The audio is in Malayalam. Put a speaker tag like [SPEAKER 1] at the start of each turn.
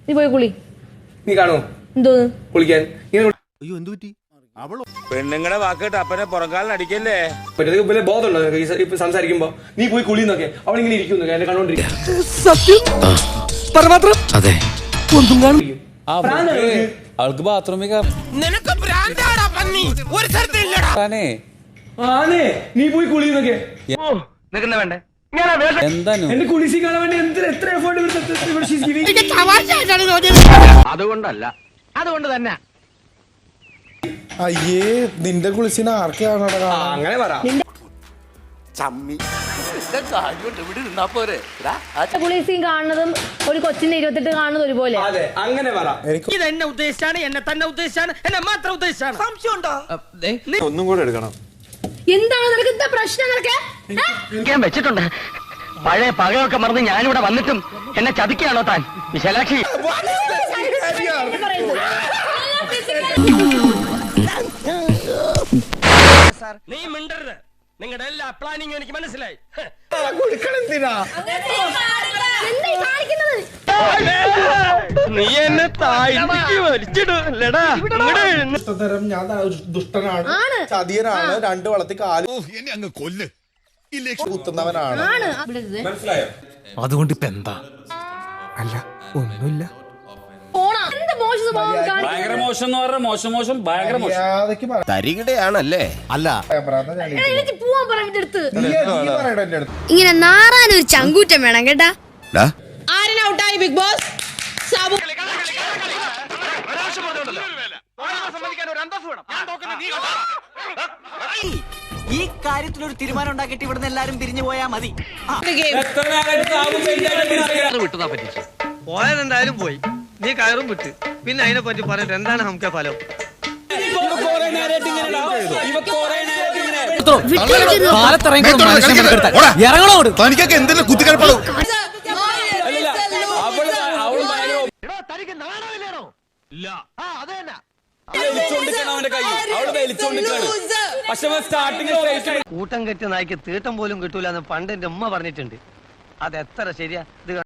[SPEAKER 1] നീ പോയി കുളി.
[SPEAKER 2] നീ കാണോ
[SPEAKER 1] എന്തോന്ന്
[SPEAKER 2] കുളിക്കാൻ?
[SPEAKER 3] അയ്യോ എന്തു പറ്റി?
[SPEAKER 4] പെണ്ണുങ്ങളുടെ വാക്കിട്ട് അപ്പനെ പുറകാലിന് അടിക്കല്ലേ.
[SPEAKER 2] വലിയ ബോധമുണ്ടോ നിനക്ക് ഇപ്പൊ സംസാരിക്കുമ്പോ? നീ പോയി കുളിന്നൊക്കെ അവളിങ്ങനെ ഇരിക്കുന്നു എന്നെ കണ്ടോണ്ടിരിക്കും.
[SPEAKER 5] അതെ
[SPEAKER 6] അവൾക്ക് ബാത്റൂമിൽ
[SPEAKER 2] ആണേ നീ പോയി കുളിന്നൊക്കെ
[SPEAKER 4] വേണ്ടേ?
[SPEAKER 6] എന്തായാലും
[SPEAKER 2] എന്റെ കുളിസി കാണാൻ വേണ്ടി എത്ര എഫേർട്ട്.
[SPEAKER 4] അതുകൊണ്ടല്ല, അതുകൊണ്ട് തന്നെ.
[SPEAKER 3] അയ്യേ നിന്റെ കുളിസിന് ആർക്കാണ്
[SPEAKER 2] അങ്ങനെ പറ.
[SPEAKER 1] കുളിസീൻ കാണുന്നതും ഒരു കൊച്ചിന്റെ 28 കാണുന്നത് ഒരുപോലെ.
[SPEAKER 2] അതെ അങ്ങനെ പറ.
[SPEAKER 7] ഇത് എന്നെ ഉദ്ദേശിച്ചാണ്, എന്നെ തന്നെ ഉദ്ദേശിച്ചാണ്, എന്നെ മാത്രം ഉദ്ദേശിച്ചാണ്. സംശയമുണ്ടോ?
[SPEAKER 3] ഒന്നും കൂടെ എടുക്കണം.
[SPEAKER 1] എന്താണ് നിനക്ക് എന്താ പ്രശ്നം? നിനക്ക്
[SPEAKER 7] ഞാൻ വെച്ചിട്ടുണ്ട്. പഴയ പകയൊക്കെ മറന്ന് ഞാനിവിടെ വന്നിട്ടും എന്നെ ചതിക്കുകയാണോ താൻ വിശാലാക്ഷി? നീ മിണ്ടരുത്. നിങ്ങളുടെ എല്ലാ പ്ലാനിങ്ങും എനിക്ക് മനസ്സിലായി. നീ എന്നെ താഴ്ത്തിക്ക് വലിച്ചിടൂല്ലടാ.
[SPEAKER 3] ഞാൻ ദുഷ്ടനാണ്, ചതിയനാണ്, 2 വളർത്തി കാല്
[SPEAKER 5] എന്നെ അങ്ങ് കൊല്ല്.
[SPEAKER 3] കുത്തുന്നവനാണ്.
[SPEAKER 2] മനസ്സിലായോ?
[SPEAKER 5] അതുകൊണ്ട് ഇപ്പൊ എന്താ? അല്ല ഒന്നുമില്ല.
[SPEAKER 6] ഭയങ്കര മോശം എന്ന് പറഞ്ഞാൽ മോശം ഭയങ്കര മോശം.
[SPEAKER 3] മര്യാദയ്ക്ക് പറ.
[SPEAKER 4] തരികിടയാണല്ലേ?
[SPEAKER 5] അല്ല
[SPEAKER 8] ഇങ്ങനെ നാറാനൊരു ചങ്കൂറ്റം വേണം കേട്ടാ.
[SPEAKER 1] ആരനൗട്ടായി ബിഗ് ബോസ്?
[SPEAKER 7] ഈ കാര്യത്തിലൊരു തീരുമാനം ഉണ്ടാക്കിയിട്ട് ഇവിടുന്ന് എല്ലാരും പിരിഞ്ഞു പോയാ മതി. വിട്ടുതാ പറ്റിച്ചു പോയാലെന്തായാലും പോയി. നീ കയറും വിട്ട് പിന്നെ അതിനെ പറ്റി പറഞ്ഞിട്ട് എന്താണ് നമുക്ക് ഫലം?
[SPEAKER 5] തനിക്കൊക്കെ എന്തെങ്കിലും കുത്തിക്കൽപ്പളൂ.
[SPEAKER 7] കൂട്ടം കെട്ടി നായ്ക്ക് തീട്ടം പോലും കിട്ടൂല എന്ന് പണ്ട് എന്റെ ഉമ്മ പറഞ്ഞിട്ടുണ്ട്. അത് എത്ര ശരിയാ? ഇത്